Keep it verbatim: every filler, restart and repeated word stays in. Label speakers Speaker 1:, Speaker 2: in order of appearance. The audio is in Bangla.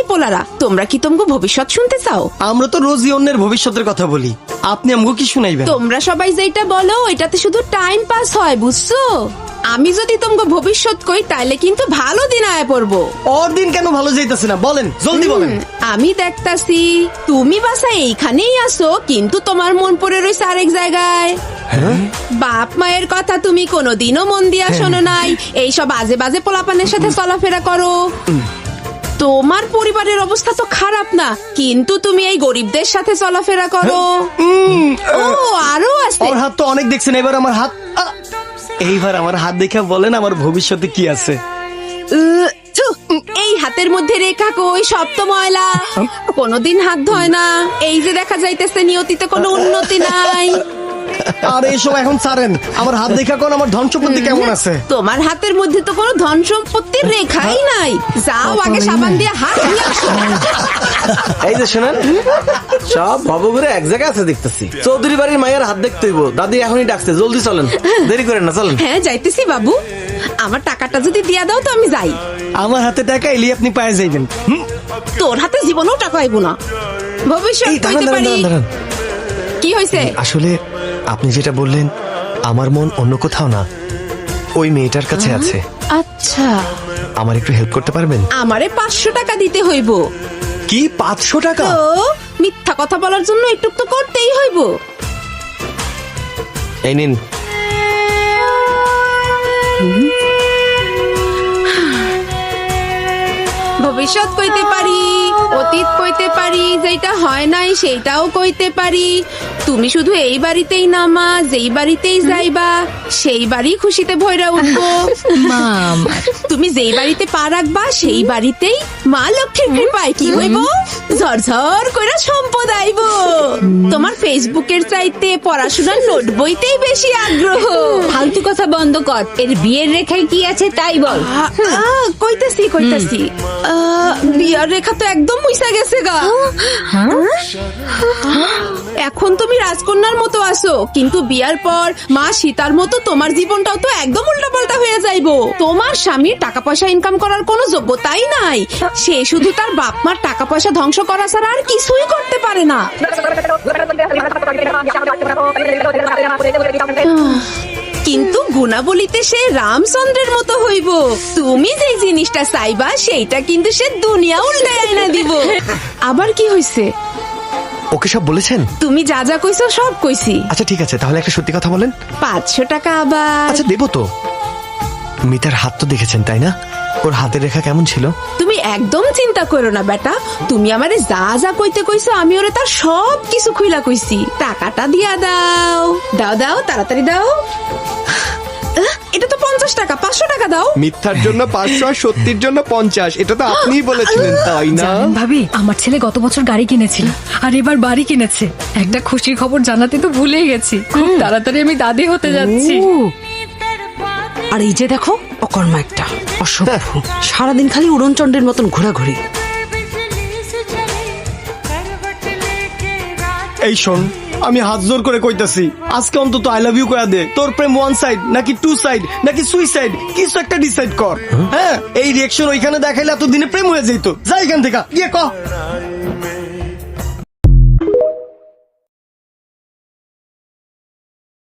Speaker 1: এই পোলারা, তোমরা কি তোমাকে ভবিষ্যৎ শুনতে চাও?
Speaker 2: আমরা তো রোজই অন্যের ভবিষ্যতের কথা বলি, আপনি আমাকে কি শুনাইবেন?
Speaker 1: তোমরা সবাই যেটা বলো এটাতে শুধু টাইম পাস হয়, বুঝছো? আমি যদি তোমাকে ভবিষ্যৎ কই তাইলে কিন্তু ভালো দিন আয় পড়বো।
Speaker 2: ওর দিন কেন ভালো যাইতেছে না বলেন, জলদি বলেন।
Speaker 1: আমি দেখতাছি তুমি বাসা এইখানেই আসো, কিন্তু তোমার মন পড়ে রয়েছে আরেক জায়গায়। বাপ মায়ের কথা তুমি কোনোদিনও মন দিয়া শোনো নাই, এইসব আজে বাজে পোলাপানের সাথে চলাফেরা করো। তোমার পরিবারের অবস্থা তো খারাপ না, কিন্তু তুমি এই গরিবদের সাথে চলাফেরা করো। ও আরো আছে।
Speaker 2: ওর হাত তো অনেক দেখছেন, এবার আমার হাত আ! এইবার আমার হাত দেখে বলেন আমার ভবিষ্যতে কি আছে।
Speaker 1: উহ, ছু, এই হাতের মধ্যে রেখা কই, সব তো ময়লা, কোনোদিন হাত ধয় না। এই যে দেখা যাইতেছে নিয়তিতে কোনো উন্নতি নাই।
Speaker 2: আর এইসব এখন ছাড়েন, আমার হাত দেখা কোন আমার ধন সম্পত্তি কেমন আছে?
Speaker 1: তোমার হাতের মধ্যে তো কোনো ধন সম্পত্তির রেখাই নাই। যাও আগে সাবান দিয়ে হাত ধুয়ে আসো।
Speaker 3: এই যে শোনেন, সব ভবঘুরে এক জায়গায় আছে দেখতেছি। চৌধুরী বাড়ির মায়ের হাত দেখতে হইব, দাদি এখনই ডাকছে, জলদি চলেন, দেরি করেন না, চলেন।
Speaker 1: হ্যাঁ যাইতেছি বাবু, আমার টাকাটা যদি দিয়া দাও তো আমি যাই।
Speaker 2: আমার হাতে টাকা এলি আপনি পায়ে যাইবেন। হুম?
Speaker 1: তোর হাতে জীবনেও টাকা আইব না। ভবিষ্যৎ
Speaker 4: এই দাঁড়ান
Speaker 1: কইতে
Speaker 4: দাঁড়ান
Speaker 1: পারি।
Speaker 4: দাঁড়ান দাঁড়ান।
Speaker 1: কি হয়েছে?
Speaker 4: আসলে আপনি যেটা বললেন, আমার মন অন্য কোথাও না, ওই মেয়েটার কাছে আছে।
Speaker 1: আচ্ছা,
Speaker 4: আমার একটু হেল্প করতে পারবেন?
Speaker 1: আমারে পাঁচশো টাকা দিতে হইব।
Speaker 4: কি পাঁচশো টাকা?
Speaker 1: তো মিথ্যা কথা বলার জন্য একটু তো করতেই হইব।
Speaker 4: এই নিন।
Speaker 1: ভবিষ্যৎ কইতে পারি, অতীত কইতে পারি, যেটা হয় নাই সেইটাও কইতে পারি। তুমি শুধু এই বাড়িতেই নামা, যেই বাড়িতেই যাইবা সেই বাড়ি খুশিতে ভইরা উঠবো।
Speaker 5: মাম,
Speaker 1: তুমি যেই বাড়িতে পা রাখবা সেই বাড়িতেই মা লক্ষ্মীর কৃপায় কি হইব, ঝরঝর করে সম্পদ আইব। তোমার ফেসবুকের চাইতে পড়াশোনার নোট বইতেই বেশি আগ্রহ।
Speaker 5: ফালতু কথা বন্ধ কর। এর বিয়ের রেখায় কি আছে তাই বল।
Speaker 1: আ, আ, কইতাছি কইতাছি আ, বিয়ার রেখা তো একদম মুইসা গেছে গা। এখন তুমি রাজকন্যার মতো আছো, কিন্তু বিয়ার পর মা সীতার মতো তোমার জীবনটাও তো একদম উল্টাপাল্টা হয়ে যাইবো। তোমার স্বামীর টাকা পয়সা ইনকাম করার কোনো যোগ্যতাই নাই, সে শুধু তার বাপ মার টাকা পয়সা ধ্বংস করা ছাড়া আর কিছুই করতে পারে না। কিন্তু গুণাবলীতে সে রামচন্দ্রের মতো হইব। তুমি যে জিনিসটা চাইবা সেইটা কিন্তু সে দুনিয়া উল্টে আইনা দিব। আবার কি হইছে?
Speaker 4: ওকে সব বলেছেন?
Speaker 1: তুমি যা যা কইছো সব কইছি।
Speaker 4: আচ্ছা ঠিক আছে, তাহলে একটা সত্যি কথা বলেন।
Speaker 1: পাঁচশো টাকা আবার।
Speaker 4: আচ্ছা দেবো তো। মিতার হাত তো দেখেছেন তাই না? ওর হাতের রেখা কেমন ছিল?
Speaker 1: তুমি একদম চিন্তা করো না বেটা, তুমি আমারে যা যা কইতে কইছো আমি ওরে তার সব কিছু খুইলা কইছি। টাকাটা দিয়া দাও, দাও দাও তাড়াতাড়ি দাও। আহ, এটা তো পঞ্চাশ টাকা, পাঁচশো টাকা দাও।
Speaker 6: মিথ্যার জন্য পাঁচশো আর সত্যির জন্য পঞ্চাশ, এটা তো আপনিই বলেছিলেন তাই না?
Speaker 7: জানেন ভাবি, আমার ছেলে গত বছর গাড়ি কিনেছিল আর এবার বাড়ি কিনেছে। একটা খুশির খবর জানাতে তো ভুলেই গেছি। খুব তাড়াতাড়ি আমি দাদি হতে যাচ্ছি।
Speaker 8: আর এই যে দেখো অকর্মা একটা অসভ্য, সারাদিন খালি উড়নচণ্ডের মতন ঘোরাঘুরি।
Speaker 2: এই শোন, আমি হাত জোর করে কইতাছি, আজকে অন্তত আই লাভ ইউ কয়া দে। তোর প্রেম ওয়ান সাইড নাকি টু সাইড নাকি সুইসাইড, কিছু একটা ডিসাইড কর। হ্যাঁ, এই রিয়েকশন ওইখানে দেখাইলে এতদিনে প্রেম হয়ে যেত। যা এখান থেকে গিয়ে ক।